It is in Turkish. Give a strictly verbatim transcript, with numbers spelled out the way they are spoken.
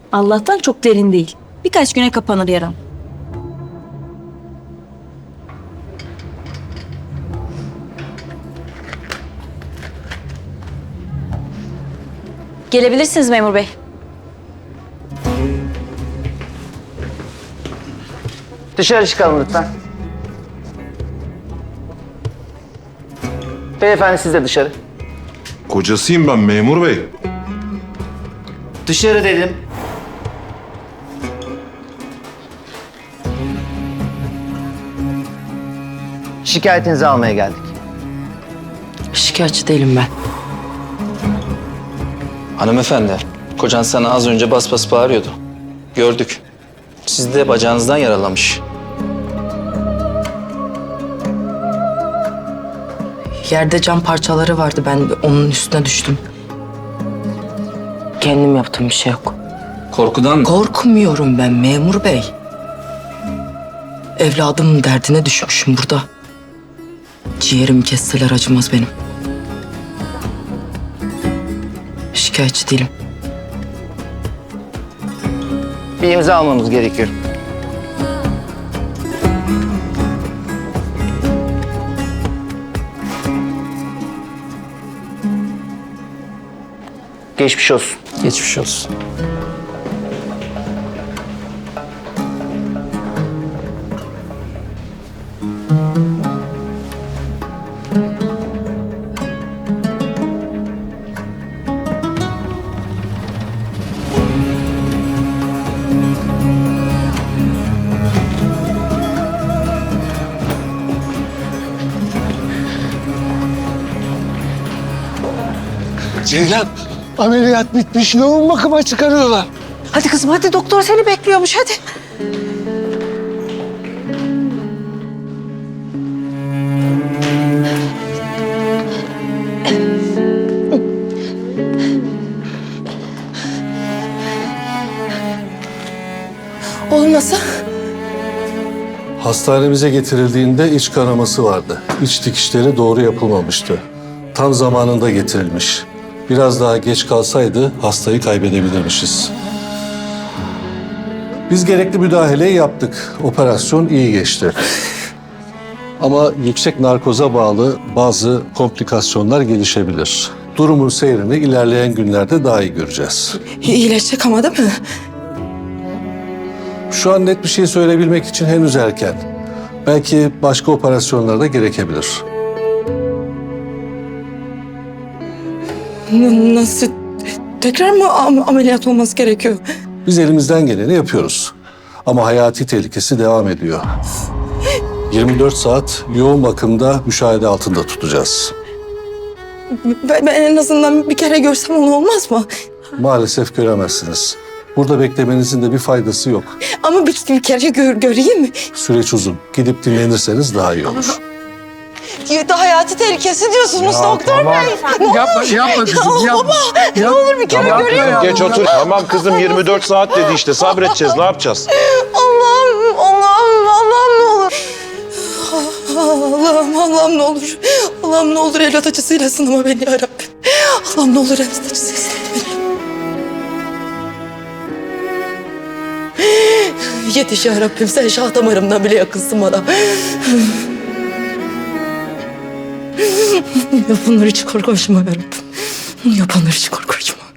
Allah'tan çok derin değil. Birkaç güne kapanır yaram. Gelebilirsiniz memur bey. Dışarı çıkalım lütfen. Beyefendi siz de dışarı. Kocasıyım ben memur bey. Dışarı dedim. Şikayetinizi almaya geldik. Şikayetçi değilim ben. Hanımefendi, kocan sana az önce bas bas bağırıyordu. Gördük. Siz de bacağınızdan yaralamış. Yerde cam parçaları vardı. Ben onun üstüne düştüm. Kendim yaptığım bir şey yok. Korkudan... Korkmuyorum ben memur bey. Evladımın derdine düşmüşüm burada. Ciğerimi kesseler acımaz benim. Şikayetçi değilim. Bir imza almamız gerekiyor. Geçmiş olsun. Geçmiş olsun. Ceylan, ameliyat bitmiş. Yoğun bakıma çıkarıyorlar. Hadi kızım hadi, doktor seni bekliyormuş hadi. Oğlum nasıl? Hastanemize getirildiğinde iç kanaması vardı. İç dikişleri doğru yapılmamıştı. Tam zamanında getirilmiş. Biraz daha geç kalsaydı hastayı kaybedebilirmişiz. Biz gerekli müdahaleyi yaptık. Operasyon iyi geçti. Ama yüksek narkoza bağlı bazı komplikasyonlar gelişebilir. Durumun seyrini ilerleyen günlerde daha iyi göreceğiz. İyileşecek ama değil mi? Şu an net bir şey söyleyebilmek için henüz erken. Belki başka operasyonlar da gerekebilir. N- Nasıl? Tekrar mı am- ameliyat olması gerekiyor? Biz elimizden geleni yapıyoruz. Ama hayati tehlikesi devam ediyor. yirmi dört saat yoğun bakımda müşahede altında tutacağız. Ben, ben en azından bir kere görsem onu olmaz mı? Maalesef göremezsiniz. Burada beklemenizin de bir faydası yok. Ama bir, bir kere gör, göreyim mi? Süreç uzun. Gidip dinlenirseniz daha iyi olur. Ya, hayati tehlikesi diyorsunuz doktor bey. Ne Yapma, olur? yapma kızım, Ya yapma. baba, ne Yap- olur bir kere Tamam, göreyim. ya. Geç otur. Tamam kızım yirmi dört saat dedi işte sabredeceğiz ne yapacağız? Allah'ım, Allah'ım, Allah'ım ne olur. Allah'ım, Allah'ım ne olur. Allah'ım ne olur evlat acısıyla sınama beni ya Rabbim. Allah'ım ne olur evlat acısıyla sınama beni. Yetiş ya Rabbim, sen şah damarımdan bile yakınsın bana. Yapanlar hiç korkuşma ya Rabbim. Yapanlar hiç korkuşma.